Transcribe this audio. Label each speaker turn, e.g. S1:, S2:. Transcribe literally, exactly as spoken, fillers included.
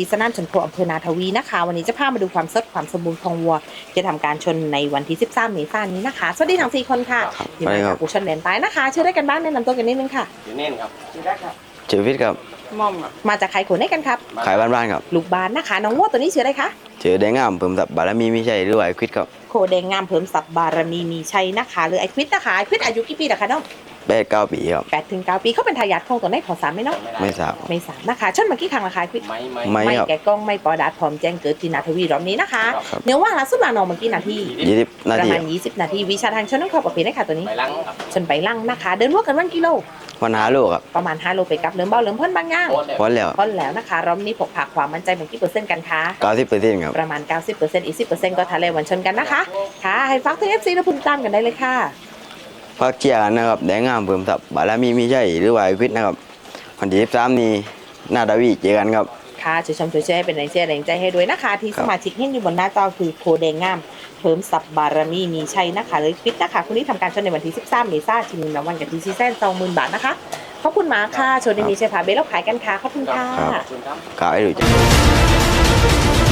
S1: สนามชนโคอำเภอนาทวีนะคะวันนี้จะพามาดูความสดความสมบูรณ์ของวัวจะทำการชนในวันที่สิบสามเมษายนนี้นะคะสวัสดีทั้งสี่คนค่ะอยู่ในกับผู้ชนแดนใต้นะคะชื่อได้กันบ้างแนะนำตัวกันนิดนึงค่ะ
S2: ชื่อเน่นครับชื่อแรกครับ
S3: ชื่อวิทย์ครับ
S2: ม่อมครับ
S1: มาจากใครขนให้กันครับ
S3: ขายบ้านๆครับ
S1: ลูกบ้านนะคะน้องวัวตัวนี้ชื่ออะไรคะ
S3: ชื่อแดงงามเพิ่มสับบารมีไม่ใช่หรือว่าไอควิดครับ
S1: โคแดงงามเพิ่มสับบารมีมีชัยนะคะหรือไอควิดนะคะไอควิดอายุกี่ปีนะคะน้อง
S3: แปดเก้าปีครับ
S1: แปดถึงเก้าปีเขาเป็นทายาทของตัวไหนขอสามไหมน้อง
S3: ไม่ทราบ
S1: ไม่สามนะคะชนมากี่ครั้งละคะไอควิด
S2: ไม่ไม่
S3: ไม่
S1: ไม่แกกล้องไม่ปอดัดพร้อมแจ้งเกิดที่นาทวีรอบนี้นะคะเนื้อว่าล่าสุดมาน้องเมื่อกี้นาที
S3: ยี่สิบนา
S1: ประ
S3: ที
S1: มาณยี่สิบนาทีวิชาทางชนต้องเข้าประเภทได้ค่ะตัวนี้
S2: ไปลังครับ
S1: ชนไปลั่งนะคะเดินวัวกันวันกิโล
S3: วันหาลูกครับ
S1: ประมาณห้าโลไปกับเริ่มเบาเริ่มพ่นบางย่าง
S3: พอแล้ว
S1: พ่นแล้วนะคะรอบนี้ผกผักความมั่นใจเป็นกี่เปอร์เซ็นต์กันคะ
S3: เก้าสิบเปอร์เซ็นต์ครับ
S1: ประมาณ เก้าสิบเปอร์เซ็นต์ อีก สิบเปอร์เซ็นต์ ก็ทะเลวันชนกันนะคะค่ะให้ฟักถึง เอฟ ซี และพุ่นตามกันได้เลยค่ะ
S3: พักเชียร์กันนะครับแดงงามเพิ่มสับบารมีไม่ใช่หรือว่าไอควิดนะครับวันที่สิบสามนี้นาดาวีเจอกันครับ
S1: ค่ะช่วยชมช่วยแชร์เป็นแรงเชียร์แรงใจให้ด้วยนะคะที่สมาชิกเห็นอยู่บนหน้าจอคือโคแดงงามเพิ่มสับบารมีมีชัยนะคะเลยฟิตนะคะคุณที่ทำการชนในวันที่สิบสามเมษายนชิงรางวัลกับทีซีแซนสองหมื่นบาทนะคะขอบคุณมากค่ะชนในมีชัยพาเบลล์ขายกันค่ะขอบคุณค่ะ
S3: ขายดูจ้ะ